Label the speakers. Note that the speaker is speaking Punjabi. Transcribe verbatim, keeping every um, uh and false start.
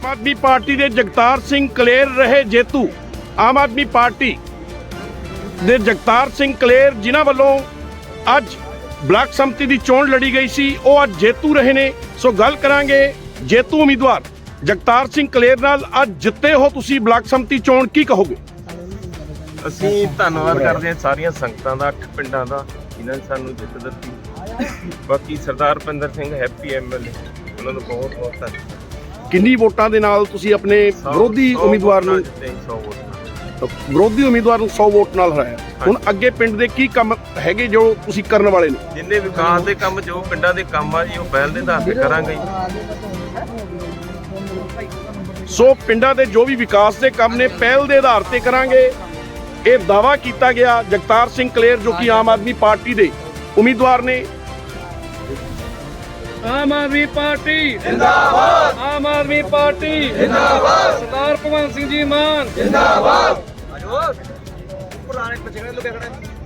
Speaker 1: ਆਮ ਆਦਮੀ ਪਾਰਟੀ ਦੇ ਜਗਤਾਰ ਸਿੰਘ ਕਲੇਰ ਰਹੇ ਜੇਤੂ। ਆਮ ਆਦਮੀ ਪਾਰਟੀ ਦੇ ਜਗਤਾਰ ਸਿੰਘ ਕਲੇਰ ਜਿਨ੍ਹਾਂ ਵੱਲੋਂ ਅੱਜ ਬਲਾਕ ਸੰਮਤੀ ਦੀ ਚੋਣ ਲੜੀ ਗਈ ਸੀ, ਉਹ ਅੱਜ ਜੇਤੂ ਰਹੇ ਨੇ। ਸੋ ਗੱਲ ਕਰਾਂਗੇ ਜੇਤੂ ਉਮੀਦਵਾਰ ਜਗਤਾਰ ਸਿੰਘ ਕਲੇਰ ਨਾਲ। ਅੱਜ ਜਿੱਤੇ ਹੋ ਤੁਸੀਂ ਬਲਾਕ ਸੰਮਤੀ ਚੋਣ, ਕੀ ਕਹੋਗੇ?
Speaker 2: ਅਸੀਂ ਧੰਨਵਾਦ ਕਰਦੇ ਹਾਂ ਸਾਰੀਆਂ ਸੰਗਤਾਂ ਦਾ, ਅੱਠ ਪਿੰਡਾਂ ਦਾ, ਜਿਨ੍ਹਾਂ ਨੇ ਸਾਨੂੰ ਜਿੱਤ ਦਿੱਤੀ। ਬਾਕੀ ਸਰਦਾਰ ਰੁਪਿੰਦਰ ਸਿੰਘ ਹੈਪੀ ਐਮਐਲਏ, ਉਹਨਾਂ ਨੂੰ ਬਹੁਤ ਬਹੁਤ ਧੰਨਵਾਦ।
Speaker 1: ਕਿੰਨੀ ਵੋਟਾਂ ਦੇ ਨਾਲ ਤੁਸੀਂ ਆਪਣੇ ਵਿਰੋਧੀ ਉਮੀਦਵਾਰ ਨੂੰ
Speaker 2: ਸੌ ਵੋਟ
Speaker 1: ਵਿਰੋਧੀ ਉਮੀਦਵਾਰ ਨੂੰ ਸੌ ਵੋਟ ਨਾਲ ਹਰਾਇਆ? ਹੁਣ ਅੱਗੇ ਪਿੰਡ ਦੇ ਕੀ ਕੰਮ ਹੈਗੇ ਜੋ ਤੁਸੀਂ ਕਰਨ ਵਾਲੇ ਨੇ?
Speaker 2: ਜਿੰਨੇ ਵਿਕਾਸ ਦੇ ਕੰਮ, ਜੋ ਪਿੰਡਾਂ ਦੇ ਕੰਮ ਆ ਜੀ, ਉਹ ਪਹਿਲ ਦੇ ਆਧਾਰ ਤੇ ਕਰਾਂਗੇ।
Speaker 1: ਸੋ ਪਿੰਡਾਂ ਦੇ ਜੋ ਵੀ ਵਿਕਾਸ ਦੇ ਕੰਮ ਨੇ ਪਹਿਲ ਦੇ ਆਧਾਰ ਤੇ ਕਰਾਂਗੇ, ਇਹ ਦਾਅਵਾ ਕੀਤਾ ਗਿਆ ਜਗਤਾਰ ਸਿੰਘ ਕਲੇਰ ਜੋ ਕਿ ਆਮ ਆਦਮੀ ਪਾਰਟੀ ਦੇ ਉਮੀਦਵਾਰ ਨੇ।
Speaker 3: ਆਮ ਆਦਮੀ ਪਾਰਟੀ ਜਿੰਦਾਬਾਦ, ਆਮ ਆਦਮੀ ਪਾਰਟੀ ਜਿੰਦਾਬਾਦ, ਸਰਦਾਰ ਭਗਵੰਤ ਸਿੰਘ ਜੀ ਮਾਨ ਜਿੰਦਾਬਾਦ। ਪੁਰਾਣੇ ਬੱਚੇ ਨੇ ਲੁਕੇ ਖੜੇ।